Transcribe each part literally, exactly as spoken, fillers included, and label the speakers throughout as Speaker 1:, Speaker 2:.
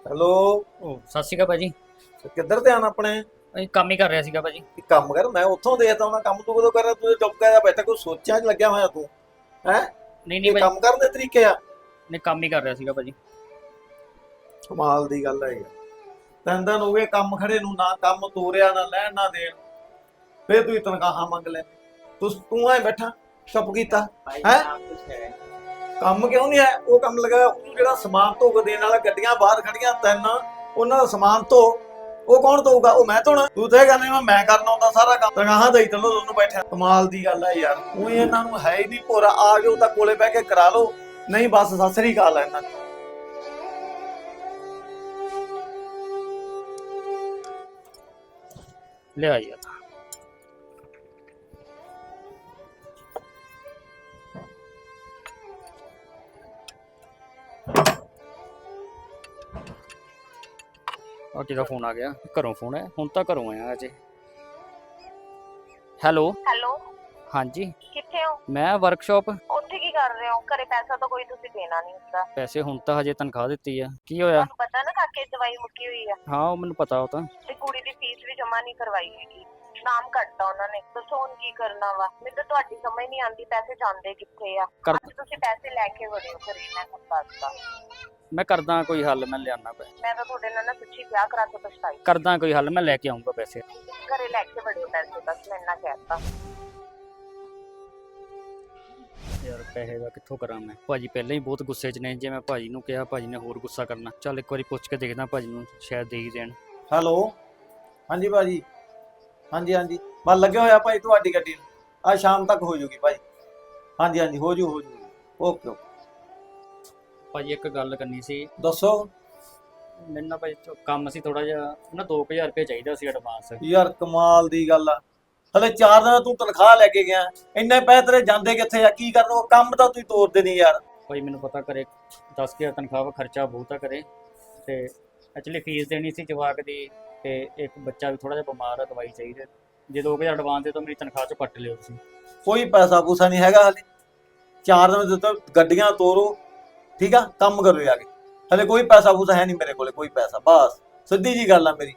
Speaker 1: Hello.
Speaker 2: ਉਹ ਸਤਿ ਸ਼੍ਰੀ ਅਕਾਲ ਭਾਜੀ।
Speaker 1: ਕਿੱਧਰ ਧਿਆਨ ਆਪਣੇ?
Speaker 2: ਅਸੀਂ ਕੰਮ ਹੀ ਕਰ ਰਿਹਾ ਸੀਗਾ ਭਾਜੀ।
Speaker 1: ਕੀ ਕੰਮ ਕਰ? ਮੈਂ ਉੱਥੋਂ ਦੇਖਦਾ ਹਾਂ ਕੰਮ ਤੂੰ ਕਦੋਂ ਕਰ ਰਿਹਾ? ਤੂੰ ਚੁੱਪ ਕਰ ਬੈਠਾ, ਕੋਈ ਸੋਚਾਂ 'ਚ ਲੱਗਿਆ ਹੋਇਆ ਤੂੰ ਹੈ?
Speaker 2: ਨਹੀਂ ਨਹੀਂ
Speaker 1: ਇਹ
Speaker 2: ਭਾਜੀ,
Speaker 1: ਕੰਮ ਕਰਨ ਦੇ ਤਰੀਕੇ ਆ?
Speaker 2: ਨਹੀਂ ਕੰਮ ਹੀ ਕਰ ਰਿਹਾ ਸੀਗਾ ਭਾਜੀ।
Speaker 1: ਕਮਾਲ ਦੀ ਗੱਲ ਹੈ ਯਾਰ। ਤਿੰਨ ਦਿਨ ਹੋ ਗਏ ਕੰਮ ਖੜੇ ਨੂੰ, ਨਾ ਕੰਮ ਤੋਰਿਆ ਨਾ ਲੈਣ ਨਾ ਦੇਣ, ਫੇਰ ਤੂੰ ਤਨਖਾਹਾਂ ਮੰਗ ਲੈ। ਤੂੰ ਤੂੰ ਐ ਬੈਠਾ ਚੁੱਪ ਕੀਤਾ ਹੈ? ਕੰਮ ਕਿਉਂ ਨਹੀਂ ਹੈ? ਉਹ ਕੰਮ ਲਗਾ ਉਹਨੂੰ ਜਿਹੜਾ ਸਮਾਨ ਧੋ ਕੇ ਦੇਣ ਵਾਲਾ, ਗੱਡੀਆਂ ਬਾਹਰ ਖੜੀਆਂ ਤਿੰਨ, ਉਹਨਾਂ ਦਾ ਸਮਾਨ ਧੋ, ਉਹ ਕੌਣ ਧੋਊਗਾ? ਉਹ ਮੈਂ ਧੋਣਾ? ਤੂੰ ਤਾਂ ਇਹ ਕਹਿੰਦਾ ਮੈਂ ਕਰਨਾ ਹੁੰਦਾ ਸਾਰਾ ਕੰਮ। ਤਨਖਾਹਾਂ ਦੇਈ ਚੱਲੋ ਦੋਨੋਂ ਬੈਠਿਆ। ਕਮਾਲ ਦੀ ਗੱਲ ਹੈ ਯਾਰ। ਉਹ ਇਹਨਾਂ ਨੂੰ ਹੈ ਹੀ ਨਹੀਂ ਭੋਰਾ। ਆ ਜਾਓ ਤਾਂ ਕੋਲੇ ਬਹਿ ਕੇ ਕਰਾ ਲਓ, ਨਹੀਂ ਬਸ ਸਤਿ ਸ੍ਰੀ ਅਕਾਲ ਹੈ ਇਹਨਾਂ ਦੀ।
Speaker 2: ਲਿਆ ਯਾਰ। ਆ ਕਿਹਦਾ ਫੋਨ ਆ ਗਿਆ? ਘਰੋਂ ਫੋਨ ਹੈ? ਹੁਣ ਤਾਂ ਘਰੋਂ ਆਇਆ ਅਜੇ। ਹੈਲੋ
Speaker 3: ਹੈਲੋ,
Speaker 2: ਹਾਂਜੀ,
Speaker 3: ਕਿੱਥੇ ਹੋ?
Speaker 2: ਮੈਂ ਵਰਕਸ਼ਾਪ।
Speaker 3: ਉੱਥੇ ਕੀ ਕਰ ਰਹੇ ਹੋ? ਘਰੇ ਪੈਸਾ ਤਾਂ ਕੋਈ ਤੁਸੀਂ ਦੇਣਾ ਨਹੀਂ ਹੁੰਦਾ।
Speaker 2: ਪੈਸੇ ਹੁਣ ਤਾਂ ਹਜੇ ਤਨਖਾਹ ਦਿੱਤੀ ਆ। ਕੀ ਹੋਇਆ?
Speaker 3: ਤੁਹਾਨੂੰ ਪਤਾ ਨਾ ਕਾਕੇ ਦੀ ਦਵਾਈ ਮੁੱਕੀ ਹੋਈ ਆ,
Speaker 2: ਹਾਂ ਉਹ ਮੈਨੂੰ ਪਤਾ। ਉਹ ਤਾਂ
Speaker 3: ਤੇ ਕੁੜੀ ਦੀ ਫੀਸ ਵੀ ਜਮਾ ਨਹੀਂ ਕਰਵਾਈ ਹੈਗੀ। ਨਾਮ ਕੱਟਤਾ ਉਹਨਾਂ ਨੇ। ਦੱਸੋ ਹੁਣ ਕੀ ਕਰਨਾ ਵਾ? ਮੈਨੂੰ ਤਾਂ ਤੁਹਾਡੀ ਸਮਝ ਨਹੀਂ ਆਉਂਦੀ, ਪੈਸੇ ਜਾਂਦੇ ਕਿੱਥੇ ਆ?
Speaker 2: ਕਰ-
Speaker 3: ਅੱਜ ਤੁਸੀਂ ਪੈਸੇ ਲੈ ਕੇ ਵੜਿਓ ਘਰੇ, ਮੈਂ ਤੁਹਾਨੂੰ ਦੱਸਦਾ।
Speaker 2: ਮੈਂ ਕਰਦਾ ਕੋਈ ਹੱਲ, ਮੈਂ ਲਿਆਣਾ ਪੈ
Speaker 3: ਮੈਂ ਤਾਂ ਤੁਹਾਡੇ ਨਾਲ ਨਾ ਸੱਚੀ ਵਿਆਹ ਕਰਾ ਕੇ ਪਛਤਾਈ।
Speaker 2: ਕਰਦਾ ਕੋਈ ਹੱਲ, ਮੈਂ ਲੈ ਕੇ ਆਉਂਗਾ ਪੈਸੇ।
Speaker 3: ਘਰੇ ਲੈ ਕੇ ਵੜਿਓ ਪੈਸੇ, ਬਸ ਮੈਂ ਇੰਨਾ ਕਹਿਤਾ।
Speaker 2: ਯਾਰ ਪੈਸੇ ਦਾ ਕਿੱਥੋਂ ਕਰਾਂ ਮੈਂ? ਭਾਜੀ ਪਹਿਲਾਂ ਹੀ ਬਹੁਤ ਗੁੱਸੇ 'ਚ ਨੇ। ਜੇ ਮੈਂ ਭਾਜੀ ਨੂੰ ਕਿਹਾ, ਭਾਜੀ ਨੇ ਹੋਰ ਗੁੱਸਾ ਕਰਨਾ। ਚੱਲ ਇੱਕ ਵਾਰੀ ਪੁੱਛ ਕੇ ਦੇਖਦਾ ਭਾਜੀ ਨੂੰ, ਸ਼ਾਇਦ ਦੇ ਹੀ ਦੇਣ।
Speaker 1: ਹੈਲੋ, ਹਾਂਜੀ ਭਾਜੀ। ਹਾਂਜੀ ਹਾਂਜੀ, ਬਸ ਲੱਗਿਆ ਹੋਇਆ ਭਾਈ ਤੁਹਾਡੀ ਗੱਡੀ ਨੂੰ। ਅੱਜ ਸ਼ਾਮ ਤੱਕ ਹੋ ਜੂਗੀ ਭਾਈ। ਹਾਂਜੀ ਹਾਂਜੀ, ਹੋ ਜੂ ਹੋ ਜੂ। Okay okay.
Speaker 2: ਭਾਜੀ ਇੱਕ ਗੱਲ ਕਰਨੀ ਸੀ।
Speaker 1: ਦੱਸੋ।
Speaker 2: ਮੈਨੂੰ ਨਾ ਭਾਜੀ ਕੰਮ ਸੀ ਥੋੜਾ ਜਿਹਾ ਨਾ, ਦੋ ਕੁ ਹਜ਼ਾਰ ਰੁਪਏ ਚਾਹੀਦਾ ਸੀ ਐਡਵਾਂਸ।
Speaker 1: ਯਾਰ ਕਮਾਲ ਦੀ ਗੱਲ ਆ। ਹਲੇ ਚਾਰ ਦਿਨ ਤੂੰ ਤਨਖਾਹ ਲੈ ਕੇ ਗਿਆ, ਇੰਨੇ ਪੈਸੇ ਤੇਰੇ ਜਾਂਦੇ ਕਿੱਥੇ ਆ? ਕੀ ਕਰਨ? ਉਹ ਕੰਮ ਤਾਂ ਤੂੰ ਤੋਰਦੇ ਨਹੀਂ ਯਾਰ।
Speaker 2: ਭਾਈ ਮੈਨੂੰ ਪਤਾ ਕਰੇ ਦਸ ਹਜ਼ਾਰ ਤਨਖਾਹ ਵਾ, ਖਰਚਾ ਬਹੁਤ ਆ ਕਰੇ। ਤੇ ਐਕਚੁਅਲੀ ਫੀਸ ਦੇਣੀ ਸੀ ਜਵਾਕ ਦੀ, ਤੇ ਇੱਕ ਬੱਚਾ ਵੀ ਥੋੜਾ ਜਿਹਾ ਬਿਮਾਰ ਆ, ਦਵਾਈ ਚਾਹੀਦੀ। ਜੇ ਦੋ ਕੁ ਹਜ਼ਾਰ ਐਡਵਾਂਸ ਦੇ ਤਾਂ ਮੇਰੀ ਤਨਖਾਹ ਚੋਂ ਕੱਟ ਲਿਓ ਤੁਸੀਂ।
Speaker 1: ਕੋਈ ਪੈਸਾ ਪੂਸਾ ਨਹੀਂ ਹੈਗਾ ਹਲੇ। ਚਾਰ ਦਿਨ ਦਿੱਤੇ, ਗੱਡੀਆਂ ਤੋਰੋ, ਠੀਕ ਆ, ਕੰਮ ਕਰੋ ਜਾ ਕੇ। ਹਲੇ ਕੋਈ ਪੈਸਾ ਪੂਸਾ ਹੈ ਨਹੀਂ ਮੇਰੇ ਕੋਲੇ, ਕੋਈ ਪੈਸਾ। ਬਸ ਸਿੱਧੀ ਜੀ ਗੱਲ ਆ ਮੇਰੀ।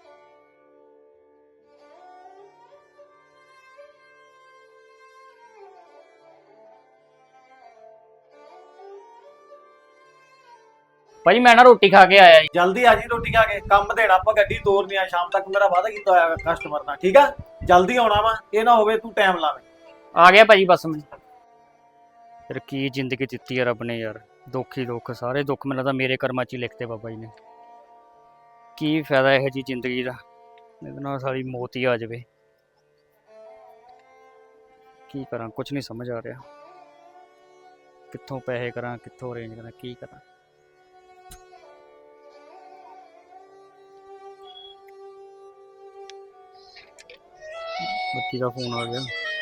Speaker 2: ਭਾਜੀ ਮੈਂ ਨਾ ਰੋਟੀ ਖਾ ਕੇ ਆਇਆ ਜੀ।
Speaker 1: ਜਲਦੀ ਆ ਜੀ ਰੋਟੀ ਖਾ ਕੇ। ਕੰਮ ਦੇਣਾ ਆਪਾਂ, ਗੱਡੀ ਤੋਰਨੀ ਆ ਸ਼ਾਮ ਤੱਕ। ਮੇਰਾ ਵਾਅਦਾ ਕੀਤਾ ਹੋਇਆ ਕਸਟਮਰ ਨਾਲ, ਠੀਕ ਆ? ਜਲਦੀ ਆਉਣਾ ਵਾ, ਇਹ ਨਾ ਹੋਵੇ ਤੂੰ ਟਾਈਮ ਲਾਵੇਂ।
Speaker 2: ਆ ਗਿਆ ਭਾਜੀ ਬਸ ਮੈਂ। ਫਿਰ ਕੀ ਜ਼ਿੰਦਗੀ ਦਿੱਤੀ ਆ ਰੱਬ ਨੇ ਯਾਰ। ਦੁੱਖ ਹੀ ਦੁੱਖ, ਸਾਰੇ ਦੁੱਖ ਮੈਨੂੰ ਲੱਗਦਾ ਮੇਰੇ ਕਰਮਾਂ 'ਚ ਹੀ ਲਿਖਤੇ ਬਾਬਾ ਜੀ ਨੇ। ਕੀ ਫਾਇਦਾ ਇਹੋ ਜਿਹੀ ਜ਼ਿੰਦਗੀ ਦਾ? ਇਹਦੇ ਨਾਲ ਸਾਰੀ ਮੌਤ ਹੀ ਆ ਜਾਵੇ। ਕੀ ਕਰਾਂ, ਕੁਝ ਨਹੀਂ ਸਮਝ ਆ ਰਿਹਾ। ਕਿੱਥੋਂ ਪੈਸੇ ਕਰਾਂ, ਕਿੱਥੋਂ ਅਰੇਂਜ ਕਰਾਂ, ਕੀ ਕਰਾਂ? ਬੱਤੀ ਦਾ ਫੋਨ ਆ ਗਿਆ।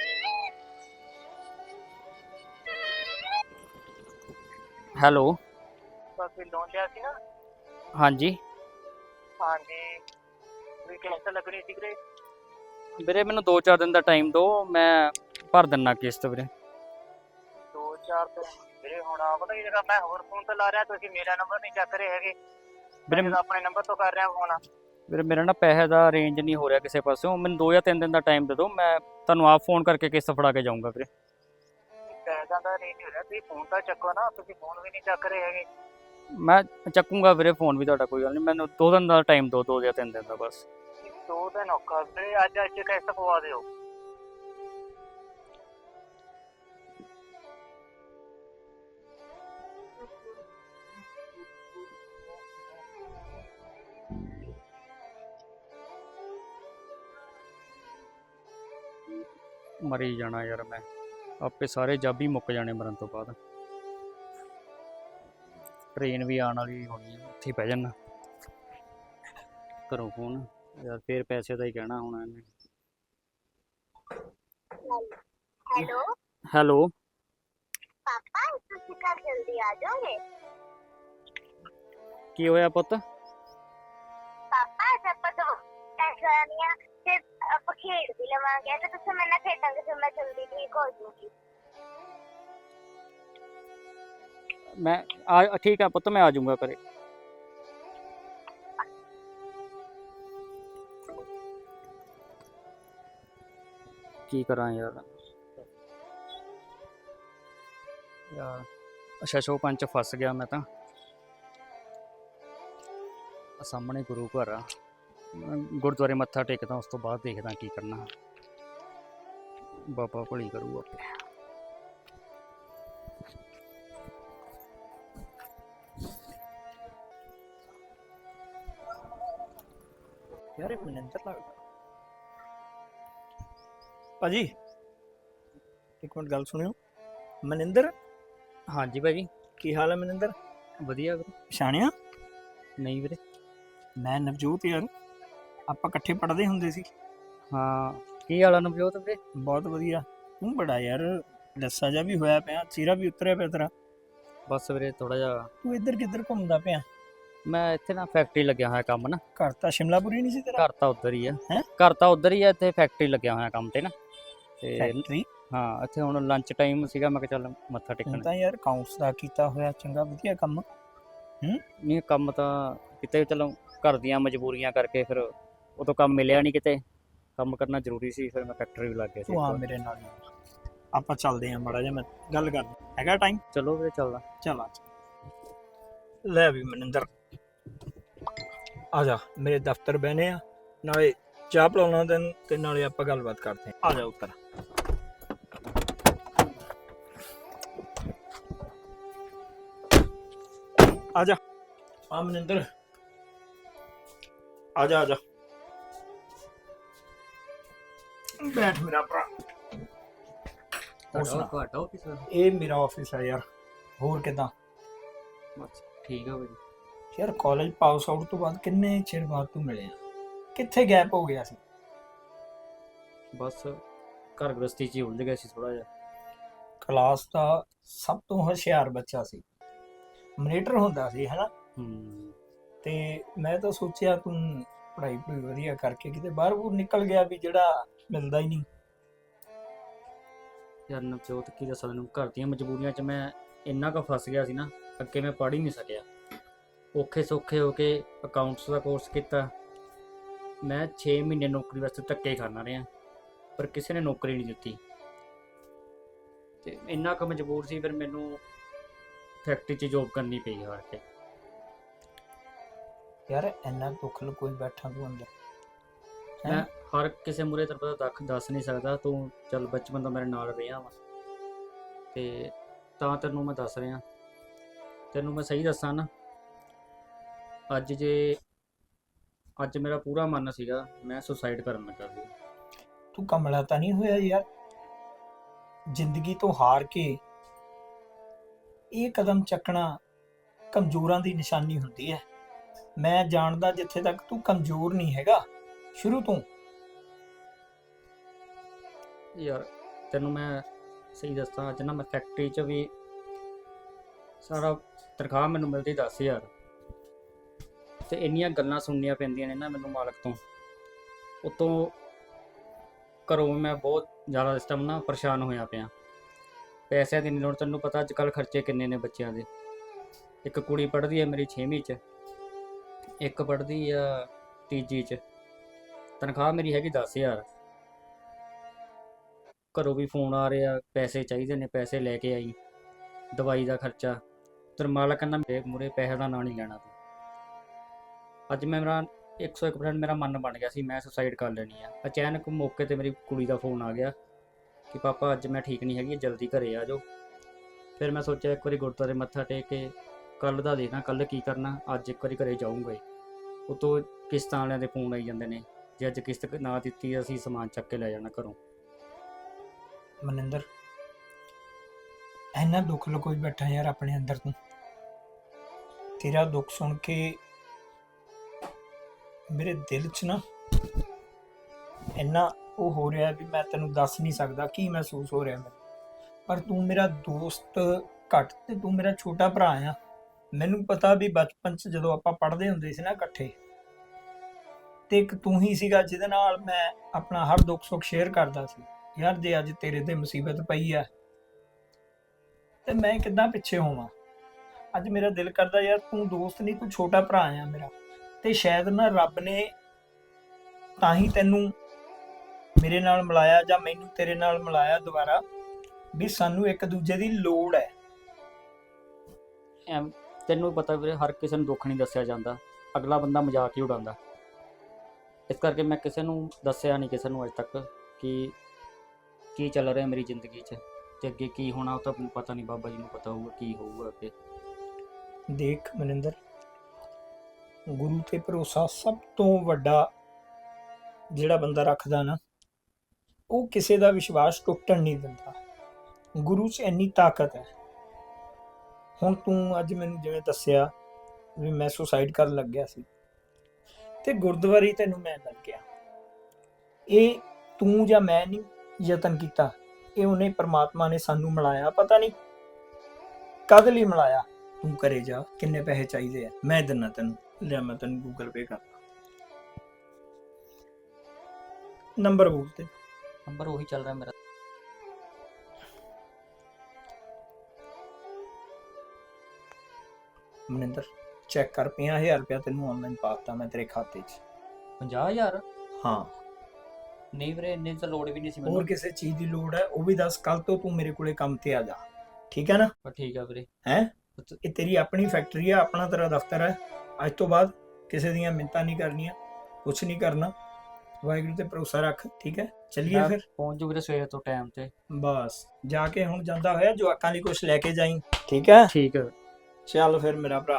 Speaker 2: ਹੈਲੋ,
Speaker 3: ਬਾਕੀ ਲੋਨ ਲਿਆ ਸੀ ਨਾ?
Speaker 2: ਹਾਂਜੀ
Speaker 3: ਹਾਂਜੀ, ਵੀ ਕਿਸ਼ਤ ਲੱਗਣੀ ਸੀ ਵੀਰੇ।
Speaker 2: ਵੀਰੇ ਮੈਨੂੰ ਦੋ ਚਾਰ ਦਿਨ ਦਾ ਟਾਈਮ ਦਿਓ, ਮੈਂ ਭਰ ਦਿੰਦਾ ਕਿਸ਼ਤ ਵੀਰੇ।
Speaker 3: ਦੋ ਚਾਰ ਦਿਨ ਵੀਰੇ? ਹੁਣ ਆ ਪਤਾ ਕੀ ਜਗ੍ਹਾ, ਮੈਂ ਹੋਰ ਫੋਨ ਤੇ ਲਾ ਰਿਹਾ, ਤੁਸੀਂ ਮੇਰਾ ਨੰਬਰ ਨਹੀਂ ਚੱਕ ਰਹੇ ਹੈਗੇ।
Speaker 2: ਵੀਰੇ
Speaker 3: ਮੈਂ ਤਾਂ ਆਪਣੇ ਨੰਬਰ ਤੋਂ ਕਰ ਰਿਹਾ ਫੋਨ।
Speaker 2: ਵੀਰੇ ਮੇਰਾ ਨਾ ਪੈਸੇ ਦਾ ਅਰੇਂਜ ਨਹੀਂ ਹੋ ਰਿਹਾ ਕਿਸੇ ਪਾਸਿਓਂ। ਮੈਨੂੰ ਦੋ ਜਾਂ ਤਿੰਨ ਦਿਨ ਦਾ ਟਾਈਮ ਦੇ ਦਿਓ, ਮੈਂ ਤੁਹਾਨੂੰ ਆਪ ਫੋਨ ਕਰਕੇ ਕਿਸ਼ਤ ਫੜਾ ਕੇ ਜਾਊਂਗਾ ਵੀਰੇ।
Speaker 3: ਪੈਸਿਆਂ ਦਾ ਰੇਂਜ ਹੋ ਰਿਹਾ, ਤੁਸੀਂ ਫੋਨ ਤਾਂ ਚੱਕੋ ਨਾ। ਤੁਸੀਂ ਫੋਨ ਵੀ ਨਹੀਂ ਚੱਕ ਰਹੇ ਹੈਗੇ।
Speaker 2: ਮੈਂ ਚੱਕੂੰਗਾ ਵੀਰੇ ਫੋਨ ਵੀ ਤੁਹਾਡਾ, ਕੋਈ ਗੱਲ ਨਹੀਂ। ਮੈਨੂੰ ਦੋ ਦਿਨ ਦਾ ਟਾਈਮ ਦਿਓ, ਦੋ ਜਾਂ ਤਿੰਨ ਦਿਨ ਦਾ ਬਸ।
Speaker 3: ਦੋ ਦਿਨ ਔਖਾ ਵੀਰੇ, ਅੱਜ ਅੱਜ ਕਿਸ਼ਤ ਪਵਾ ਦਿਓ।
Speaker 2: ਮਰੀ ਜਾਣਾ ਯਾਰ ਮੈਂ, ਆਪੇ ਸਾਰੇ ਜੱਬ ਹੀ ਮੁੱਕ ਜਾਣੇ ਮਰਨ ਤੋਂ ਬਾਅਦ। ਟ੍ਰੇਨ ਵੀ ਆਉਣ ਵਾਲੀ ਹੋਣੀ ਹੈ, ਉੱਥੇ ਪੈ ਜਾਣਾ। ਘਰੋਂ ਫੋਨ ਯਾਰ, ਫੇਰ ਪੈਸੇ ਦਾ ਹੀ ਕਹਿਣਾ ਹੋਣਾ ਇਹਨੇ।
Speaker 3: ਹੈਲੋ
Speaker 2: ਹੈਲੋ
Speaker 3: ਪਾਪਾ, ਤੁਸੀਂ ਕੱਲ ਜਲਦੀ ਆ ਜਾਓਗੇ?
Speaker 2: ਕੀ ਹੋਇਆ ਪੁੱਤ?
Speaker 3: ਪਾਪਾ ਅੱਜ ਆਪਾਂ ਦੋ ਐਸਾ ਨਹੀਂ ਆ, ਤੇ ਆਪਾਂ ਖੇਡ ਵੀ ਲਵਾਂਗੇ, ਤੇ ਤੁਸੀਂ ਮੇਰੇ ਨਾਲ ਖੇਡਾਂਗੇ, ਫਿਰ ਮੈਂ ਜਲਦੀ ਠੀਕ ਹੋ ਜੂਗੀ।
Speaker 2: ਮੈਂ ਆ ਠੀਕ ਆ ਪੁੱਤ, ਮੈਂ ਆ ਜਾਊਂਗਾ ਘਰੇ। ਕੀ ਕਰਾਂ ਯਾਰ ਯਾਰ ਅੱਛਾ ਸ਼ੋ ਪੰਜ 'ਚ ਫਸ ਗਿਆ ਮੈਂ ਤਾਂ ਆਹ ਸਾਹਮਣੇ ਗੁਰੂ ਘਰ ਆ ਮੈਂ ਗੁਰਦੁਆਰੇ ਮੱਥਾ ਟੇਕਦਾ ਉਸ ਤੋਂ ਬਾਅਦ ਦੇਖਦਾ ਕੀ ਕਰਨਾ ਬਾਬਾ ਭਲੀ ਕਰੂ ਆਪੇ
Speaker 4: ਯਾਰ ਇਹ ਮਨਿੰਦਰ ਲੱਗਦਾ ਭਾਜੀ ਇੱਕ ਮਿੰਟ ਗੱਲ ਸੁਣਿਓ ਮਨਿੰਦਰ
Speaker 2: ਹਾਂਜੀ ਭਾਜੀ
Speaker 4: ਕੀ ਹਾਲ ਹੈ ਮਨਿੰਦਰ
Speaker 2: ਵਧੀਆ ਵੀਰੇ
Speaker 4: ਪਛਾਣਿਆ
Speaker 2: ਨਹੀਂ ਵੀਰੇ
Speaker 4: ਮੈਂ ਨਵਜੋਤ ਯਾਰ ਆਪਾਂ ਇਕੱਠੇ ਪੜ੍ਹਦੇ ਹੁੰਦੇ ਸੀ
Speaker 2: ਹਾਂ ਕੀ ਹਾਲ ਆ ਨਵਜੋਤ ਵੀਰੇ
Speaker 4: ਬਹੁਤ ਵਧੀਆ ਤੂੰ ਬੜਾ ਯਾਰ ਲੱਸਾ ਜਿਹਾ ਵੀ ਹੋਇਆ ਪਿਆ ਚਿਹਰਾ ਵੀ ਉਤਰਿਆ ਪਿਆ ਤੇਰਾ
Speaker 2: ਬਸ ਵੀਰੇ ਥੋੜਾ ਜਿਹਾ
Speaker 4: ਤੂੰ ਇੱਧਰ ਕਿੱਧਰ ਘੁੰਮਦਾ ਪਿਆ
Speaker 2: ਮੈਂ ਇੱਥੇ ਨਾ ਫੈਕਟਰੀ ਲੱਗਿਆ ਹੋਇਆ ਕੰਮ ਨਾ
Speaker 4: ਘਰ ਤਾਂ ਸ਼ਿਮਲਾਪੁਰੀ ਨਹੀਂ ਸੀ ਤੇਰਾ
Speaker 2: ਘਰ ਤਾਂ ਉੱਧਰ ਹੀ ਆ
Speaker 4: ਹੈਂ?
Speaker 2: ਘਰ ਤਾਂ ਉੱਧਰ ਹੀ ਆ ਇੱਥੇ ਫੈਕਟਰੀ ਲੱਗਿਆ ਹੋਇਆ ਕੰਮ ਤੇ ਨਾ ਤੇ
Speaker 4: ਫੈਕਟਰੀ
Speaker 2: ਹਾਂ ਇੱਥੇ ਹੁਣ ਲੰਚ ਟਾਈਮ ਸੀਗਾ ਮੈਂ ਕਿਹਾ ਚੱਲ ਮੱਥਾ
Speaker 4: ਤੂੰ
Speaker 2: ਟੇਕਣ
Speaker 4: ਤਾਂ ਯਾਰ ਅਕਾਊਂਟਸ ਦਾ ਕੀਤਾ ਹੋਇਆ ਚੰਗਾ ਵਧੀਆ ਕੰਮ
Speaker 2: ਨਹੀਂ ਕੰਮ ਤਾਂ ਕਿਤੇ ਚਲੋ ਘਰ ਦੀਆਂ ਮਜਬੂਰੀਆਂ ਕਰਕੇ ਫਿਰ ਉਦੋਂ ਕੰਮ ਮਿਲਿਆ ਨਹੀਂ ਕਿਤੇ ਕੰਮ ਕਰਨਾ ਜ਼ਰੂਰੀ ਸੀ ਫਿਰ ਮੈਂ ਫੈਕਟਰੀ ਵੀ ਲੱਗ ਗਿਆ ਸੀ
Speaker 4: ਤੂੰ ਆ ਮੇਰੇ ਨਾਲ ਯਾਰ। ਆਪਾਂ ਚੱਲਦੇ ਆਂ ਮਾੜਾ ਜਿਹਾ ਮੈਂ ਗੱਲ ਕਰਨੀ ਹੈਗਾ ਟਾਈਮ
Speaker 2: ਚਲੋ ਵੀਰੇ ਚੱਲਦਾ
Speaker 4: ਚੱਲ ਆ ਲੈ ਵੀ ਮਨਿੰਦਰ ਆ ਜਾ ਮੇਰੇ ਦਫ਼ਤਰ ਬਹਿਨੇ ਆ ਨਾਲੇ ਚਾਹ ਪਿਲਾਉਣਾ ਤੈਨੂੰ ਤੇ ਨਾਲੇ ਆਪਾਂ ਗੱਲਬਾਤ ਕਰਦੇ ਆ ਆ ਜਾ ਉੱਤਰ ਆ ਜਾ ਆ ਮਨਿੰਦਰ ਆ ਜਾ ਆ ਜਾ ਬੈਠ ਮੇਰਾ ਭਰਾ ਹੋਰ ਸੁਣਾ।
Speaker 2: ਤੁਹਾਡਾ ਆਫਿਸ
Speaker 4: ਇਹ ਮੇਰਾ ਆਫਿਸ ਹੈ ਯਾਰ ਹੋਰ ਕਿਦਾਂ
Speaker 2: ਬਸ ਠੀਕ ਆ ਭਾਜੀ
Speaker 4: ਯਾਰ ਕਾਲਜ ਪਾਸ ਆਊਟ ਤੋਂ ਬਾਅਦ ਕਿੰਨੇ ਚਿਰ ਬਾਅਦ ਤੂੰ ਮਿਲਿਆ ਕਿੱਥੇ ਗੈਪ ਹੋ ਗਿਆ ਸੀ
Speaker 2: ਬਸ ਘਰ ਗ੍ਰਸਤੀ 'ਚ ਹੀ ਉਲਝ ਗਿਆ ਸੀ ਥੋੜਾ ਜਿਹਾ
Speaker 4: ਕਲਾਸ ਦਾ ਸਭ ਤੋਂ ਹੁਸ਼ਿਆਰ ਬੱਚਾ ਸੀ ਮੋਨੀਟਰ ਹੁੰਦਾ ਸੀ ਹੈਨਾ
Speaker 2: ਹੂੰ
Speaker 4: ਤੇ ਮੈਂ ਤਾਂ ਸੋਚਿਆ ਤੂੰ ਪੜ੍ਹਾਈ ਪੜ੍ਹਾਈ ਵਧੀਆ ਕਰਕੇ ਕਿਤੇ ਬਾਹਰ ਬੂਰ ਨਿਕਲ ਗਿਆ ਵੀ ਜਿਹੜਾ ਮਿਲਦਾ ਹੀ ਨਹੀਂ
Speaker 2: ਯਾਰ ਨਵਜੋਤ ਕੀ ਦੱਸਾਂ ਤੈਨੂੰ ਘਰ ਦੀਆਂ ਮਜਬੂਰੀਆਂ 'ਚ ਮੈਂ ਇੰਨਾ ਕੁ ਫਸ ਗਿਆ ਸੀ ਨਾ ਅੱਗੇ ਮੈਂ ਪੜ੍ਹ ਹੀ ਨਹੀਂ ਸਕਿਆ ਔਖੇ ਸੌਖੇ ਹੋ ਕੇ ਅਕਾਊਂਟਸ ਦਾ ਕੋਰਸ ਕੀਤਾ ਮੈਂ ਛੇ ਮਹੀਨੇ ਨੌਕਰੀ ਵਾਸਤੇ ਧੱਕੇ ਖਾਣਾ ਰਿਹਾ ਪਰ ਕਿਸੇ ਨੇ ਨੌਕਰੀ ਨਹੀਂ ਦਿੱਤੀ ਤੇ ਇੰਨਾ ਕੁ ਮਜਬੂਰ ਸੀ ਫਿਰ ਮੈਨੂੰ ਫੈਕਟਰੀ 'ਚ ਜੋਬ ਕਰਨੀ ਪਈ ਹਾਰ ਕੇ
Speaker 4: ਯਾਰ ਇੰਨਾ ਦੁੱਖ ਲਕੋਈ ਬੈਠਾ ਤੂੰ ਅੰਦਰ ਹੈਂ?
Speaker 2: ਮੈਂ ਹਰ ਕਿਸੇ ਮੂਰੇ ਤੇਰੇ ਪਤਾ ਦੱਖ ਦੱਸ ਨਹੀਂ ਸਕਦਾ ਤੂੰ ਚੱਲ ਬਚਪਨ ਤੋਂ ਮੇਰੇ ਨਾਲ ਰਿਹਾ ਵਾ ਤੇ ਤਾਂ ਤੈਨੂੰ ਮੈਂ ਦੱਸ ਰਿਹਾ ਤੈਨੂੰ ਮੈਂ ਸਹੀ ਦੱਸਾਂ ਨਾ ਅੱਜ ਜੇ ਅੱਜ ਮੇਰਾ ਪੂਰਾ ਮਨ ਸੀਗਾ ਮੈਂ ਸੁਸਾਈਡ ਕਰਨ ਲੱਗਾ ਸੀ
Speaker 4: ਤੂੰ ਕਮਲਾ ਤਾਂ ਨਹੀਂ ਹੋਇਆ ਯਾਰ ਜ਼ਿੰਦਗੀ ਤੋਂ ਹਾਰ ਕੇ ਇਹ ਕਦਮ ਚੱਕਣਾ ਕਮਜ਼ੋਰਾਂ ਦੀ ਨਿਸ਼ਾਨੀ ਹੁੰਦੀ ਹੈ ਮੈਂ ਜਾਣਦਾ ਜਿੱਥੇ ਤੱਕ ਤੂੰ ਕਮਜ਼ੋਰ ਨਹੀਂ ਹੈਗਾ ਸ਼ੁਰੂ ਤੋਂ
Speaker 2: ਯਾਰ ਤੈਨੂੰ ਮੈਂ ਸਹੀ ਦੱਸਾਂ ਅੱਜ ਨਾ ਮੈਂ ਫੈਕਟਰੀ 'ਚ ਵੀ ਸਾਰਾ ਤਨਖਾਹ ਮੈਨੂੰ ਮਿਲਦੀ ਦਸ ਹਜ਼ਾਰ ਤੇ ਇੰਨੀਆਂ ਗੱਲਾਂ ਸੁਣਨੀਆਂ ਪੈਂਦੀਆਂ ਨੇ ਨਾ ਮੈਨੂੰ ਮਾਲਕ ਤੋਂ ਉਤੋਂ ਘਰੋਂ ਮੈਂ ਬਹੁਤ ਜ਼ਿਆਦਾ ਇਸ ਟਾਈਮ ਨਾ ਪਰੇਸ਼ਾਨ ਹੋਇਆ ਪਿਆ ਪੈਸਿਆਂ ਦੀ ਨਹੀਂ ਲੋੜ ਤੈਨੂੰ ਪਤਾ ਅੱਜ ਕੱਲ੍ਹ ਖਰਚੇ ਕਿੰਨੇ ਨੇ ਬੱਚਿਆਂ ਦੇ ਇੱਕ ਕੁੜੀ ਪੜ੍ਹਦੀ ਹੈ ਮੇਰੀ ਛੇਵੀਂ 'ਚ ਇੱਕ ਪੜ੍ਹਦੀ ਆ ਤੀਜੀ 'ਚ ਤਨਖਾਹ ਮੇਰੀ ਹੈਗੀ ਦਸ ਹਜ਼ਾਰ ਘਰੋਂ ਵੀ ਫੋਨ ਆ ਰਿਹਾ ਪੈਸੇ ਚਾਹੀਦੇ ਨੇ ਪੈਸੇ ਲੈ ਕੇ ਆਈ ਦਵਾਈ ਦਾ ਖਰਚਾ ਤੇ ਮਾਲਕ ਕਹਿੰਦਾ ਮੇਰੇ ਮੂਹਰੇ ਪੈਸੇ ਦਾ ਨਾਂ ਨਹੀਂ ਲੈਣਾ ਤੂੰ ਅੱਜ ਮੈਂ ਮੇਰਾ ਇੱਕ ਸੌ ਇੱਕ ਪਰਸੈਂਟ ਮੇਰਾ ਮਨ ਬਣ ਗਿਆ ਸੀ ਮੈਂ ਸੁਸਾਈਡ ਕਰ ਲੈਣੀ ਆ ਅਚਾਨਕ ਮੌਕੇ ਤੇ ਮੇਰੀ ਕੁੜੀ ਦਾ ਫੋਨ ਆ ਗਿਆ ਕਿ ਪਾਪਾ ਅੱਜ ਮੈਂ ਠੀਕ ਨਹੀਂ ਹੈਗੀ ਜਲਦੀ ਘਰੇ ਆ ਜਾਓ ਫਿਰ ਮੈਂ ਸੋਚਿਆ ਇੱਕ ਵਾਰੀ ਗੁਰਦੁਆਰੇ ਮੱਥਾ ਟੇਕ ਕੇ ਕੱਲ੍ਹ ਦਾ ਦੇਖਣਾ ਕੱਲ੍ਹ ਕੀ ਕਰਨਾ ਅੱਜ ਇੱਕ ਵਾਰੀ ਘਰੇ ਜਾਊਂਗਾ ਹੀ ਉਤੋਂ ਕਿਸ਼ਤਾਂ ਵਾਲਿਆਂ ਦੇ ਫੋਨ ਆਈ ਜਾਂਦੇ ਨੇ ਜੇ ਅੱਜ ਕਿਸ਼ਤ ਨਾ ਦਿੱਤੀ ਅਸੀਂ ਸਮਾਨ ਚੱਕ ਕੇ ਲੈ ਜਾਣਾ ਘਰੋਂ
Speaker 4: ਮਨਿੰਦਰ ਇੰਨਾ ਦੁੱਖ ਲਕੋਈ ਬੈਠਾ ਯਾਰ ਆਪਣੇ ਅੰਦਰ ਤੂੰ ਤੇਰਾ ਦੁੱਖ ਸੁਣ ਕੇ ਮੇਰੇ ਦਿਲ 'ਚ ਨਾ ਇੰਨਾ ਉਹ ਹੋ ਰਿਹਾ ਵੀ ਮੈਂ ਤੈਨੂੰ ਦੱਸ ਨਹੀਂ ਸਕਦਾ ਕੀ ਮਹਿਸੂਸ ਹੋ ਰਿਹਾ ਮੈਨੂੰ ਪਰ ਤੂੰ ਮੇਰਾ ਦੋਸਤ ਘੱਟ ਤੇ ਤੂੰ ਮੇਰਾ ਛੋਟਾ ਭਰਾ ਆ ਮੈਨੂੰ ਪਤਾ ਵੀ ਬਚਪਨ 'ਚ ਜਦੋਂ ਆਪਾਂ ਪੜ੍ਹਦੇ ਹੁੰਦੇ ਸੀ ਨਾ ਇਕੱਠੇ ਤੇ ਇੱਕ ਤੂੰ ਹੀ ਸੀਗਾ ਜਿਹਦੇ ਨਾਲ ਮੈਂ ਆਪਣਾ ਹਰ ਦੁੱਖ ਸੁੱਖ ਸ਼ੇਅਰ ਕਰਦਾ ਸੀ ਯਾਰ ਜੇ ਅੱਜ ਤੇਰੇ ਤੇ ਮੁਸੀਬਤ ਪਈ ਆ ਤੇ ਮੈਂ ਕਿੱਦਾਂ ਪਿੱਛੇ ਹੋਵਾਂ ਅੱਜ ਮੇਰਾ ਦਿਲ ਕਰਦਾ ਯਾਰ ਤੂੰ ਦੋਸਤ ਨਹੀਂ ਤੂੰ ਛੋਟਾ ਭਰਾ ਆ ਮੇਰਾ ਤੇ ਸ਼ਾਇਦ ਨਾ ਰੱਬ ਨੇ ਤਾਂ ਹੀ ਤੈਨੂੰ ਮੇਰੇ ਨਾਲ ਮਿਲਾਇਆ ਜਾਂ ਮੈਨੂੰ ਤੇਰੇ ਨਾਲ ਮਿਲਾਇਆ ਦੁਬਾਰਾ ਵੀ ਸਾਨੂੰ ਇੱਕ ਦੂਜੇ ਦੀ ਲੋੜ ਹੈ।
Speaker 2: ਐਮ ਤੈਨੂੰ ਪਤਾ ਵੀਰੇ, ਹਰ ਕਿਸੇ ਨੂੰ ਦੁੱਖ ਨਹੀਂ ਦੱਸਿਆ ਜਾਂਦਾ, ਅਗਲਾ ਬੰਦਾ ਮਜ਼ਾਕ ਹੀ ਉਡਾਉਂਦਾ। ਇਸ ਕਰਕੇ ਮੈਂ ਕਿਸੇ ਨੂੰ ਦੱਸਿਆ ਨਹੀਂ, ਕਿਸੇ ਨੂੰ ਅੱਜ ਤੱਕ, ਕਿ ਕੀ ਚੱਲ ਰਿਹਾ ਮੇਰੀ ਜ਼ਿੰਦਗੀ 'ਚ ਤੇ ਅੱਗੇ ਕੀ ਹੋਣਾ ਉਹ ਤਾਂ ਮੈਨੂੰ ਪਤਾ ਨਹੀਂ, ਬਾਬਾ ਜੀ ਨੂੰ ਪਤਾ ਹੋਊਗਾ ਕੀ ਹੋਊਗਾ ਅੱਗੇ।
Speaker 4: ਦੇਖ ਮਨਿੰਦਰ, ਗੁਰੂ ਤੇ ਭਰੋਸਾ ਸਭ ਤੋਂ ਵੱਡਾ ਜਿਹੜਾ ਬੰਦਾ ਰੱਖਦਾ ਨਾ, ਉਹ ਕਿਸੇ ਦਾ ਵਿਸ਼ਵਾਸ ਟੁੱਟਣ ਨਹੀਂ ਦਿੰਦਾ। ਗੁਰੂ 'ਚ ਇੰਨੀ ਤਾਕਤ ਹੈ। ਹੁਣ ਤੂੰ ਅੱਜ ਮੈਨੂੰ ਜਿਵੇਂ ਦੱਸਿਆ ਵੀ ਮੈਂ ਸੁਸਾਈਡ ਕਰਨ ਲੱਗਿਆ ਸੀ ਤੇ ਗੁਰਦੁਆਰੇ ਤੈਨੂੰ ਮੈਂ ਮਿਲ ਗਿਆ, ਇਹ ਤੂੰ ਜਾਂ ਮੈਂ ਨਹੀਂ ਯਤਨ ਕੀਤਾ, ਇਹ ਉਹਨੇ ਪ੍ਰਮਾਤਮਾ ਨੇ ਸਾਨੂੰ ਮਿਲਾਇਆ। ਪਤਾ ਨਹੀਂ ਕਦ ਲਈ ਮਿਲਾਇਆ। ਤੂੰ ਘਰੇ ਜਾ, ਕਿੰਨੇ ਪੈਸੇ ਚਾਹੀਦੇ ਆ ਮੈਂ ਦਿੰਦਾ ਤੈਨੂੰ, ਲਿਆ ਮੈਂ ਤੈਨੂੰ ਗੂਗਲ ਪੇ ਕਰਦਾ। ਨੰਬਰ ਬੋਲ ਤੇ।
Speaker 2: ਨੰਬਰ ਉਹੀ ਚੱਲ ਰਿਹਾ ਮੇਰਾ।
Speaker 4: ਮਨਿੰਦਰ ਚੈੱਕ ਕਰ, ਪੰਜਾਹ ਹਜ਼ਾਰ ਰੁਪਇਆ ਤੈਨੂੰ ਆਨਲਾਈਨ ਪਾਤਾ ਮੈਂ ਤੇਰੇ ਖਾਤੇ 'ਚ।
Speaker 2: ਪੰਜਾਹ ਹਜ਼ਾਰ?
Speaker 4: ਹਾਂ।
Speaker 2: ਨਹੀਂ ਵੀਰੇ, ਇੰਨੀ ਤਾਂ ਲੋੜ ਵੀ ਨਹੀਂ ਸੀ
Speaker 4: ਹੋਰ
Speaker 2: ਮੈਨੂੰ।
Speaker 4: ਕਿਸੇ ਚੀਜ਼ ਦੀ ਲੋੜ ਹੈ ਉਹ ਵੀ ਦੱਸ, ਕੱਲ ਤੋਂ ਤੂੰ ਮੇਰੇ ਕੋਲੇ ਕੰਮ ਤੇ ਆ ਜਾ, ਠੀਕ ਹੈ ਨਾ?
Speaker 2: ਪਰ ਠੀਕ ਆ ਵੀਰੇ।
Speaker 4: ਹੈ ਇਹ ਤੇਰੀ ਆਪਣੀ ਫੈਕਟਰੀ ਹੈ, ਆਪਣਾ ਤੇਰਾ ਦਫ਼ਤਰ ਹੈ। ਅੱਜ ਤੋਂ ਬਾਅਦ ਕਿਸੇ ਦੀਆਂ ਮਿੰਤਾਂ ਨਹੀਂ ਕਰਨੀਆਂ, ਕੁਛ ਨਹੀਂ ਕਰਨਾ। ਵਾਹਿਗੁਰੂ ਤੇ ਭਰੋਸਾ ਰੱਖ, ਠੀਕ ਹੈ? ਚੱਲੀਏ
Speaker 2: ਮੈਂ
Speaker 4: ਫਿਰ।
Speaker 2: ਪਹੁੰਚ ਜੂ ਵੀਰੇ ਸਵੇਰੇ ਤੋਂ ਟਾਈਮ ਤੇ।
Speaker 4: ਬਸ ਜਾ ਕੇ ਹੁਣ ਜਾਂਦਾ ਹੋਇਆ ਜਵਾਕਾਂ ਲਈ ਕੁਛ ਲੈ ਕੇ ਜਾਈਂ, ਠੀਕ ਹੈ?
Speaker 2: ਠੀਕ ਹੈ।
Speaker 4: ਚੱਲ ਫਿਰ ਮੇਰਾ ਭਰਾ।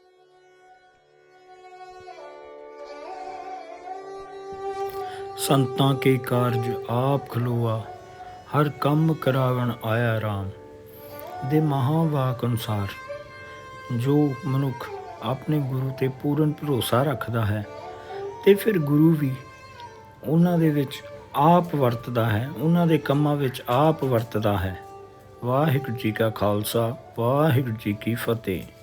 Speaker 4: ਸੰਤਾਂ ਕੇ ਕਾਰਜ ਆਪ ਖਲੋਆ, ਹਰ ਕੰਮ ਕਰਾਵਣ ਆਇਆ ਰਾਮ। ਦੇ ਮਹਾਵਾਕ ਅਨੁਸਾਰ ਜੋ ਮਨੁੱਖ ਆਪਣੇ ਗੁਰੂ ਤੇ ਪੂਰਨ ਭਰੋਸਾ ਰੱਖਦਾ ਹੈ ਤੇ ਫਿਰ ਗੁਰੂ ਵੀ ਉਹਨਾਂ ਦੇ ਵਿੱਚ ਆਪ ਵਰਤਦਾ ਹੈ, ਉਹਨਾਂ ਦੇ ਕੰਮਾਂ ਵਿੱਚ ਆਪ ਵਰਤਦਾ ਹੈ। ਵਾਹਿਗੁਰੂ ਜੀ ਕਾ ਖਾਲਸਾ, ਵਾਹਿਗੁਰੂ ਜੀ ਕੀ ਫਤਿਹ।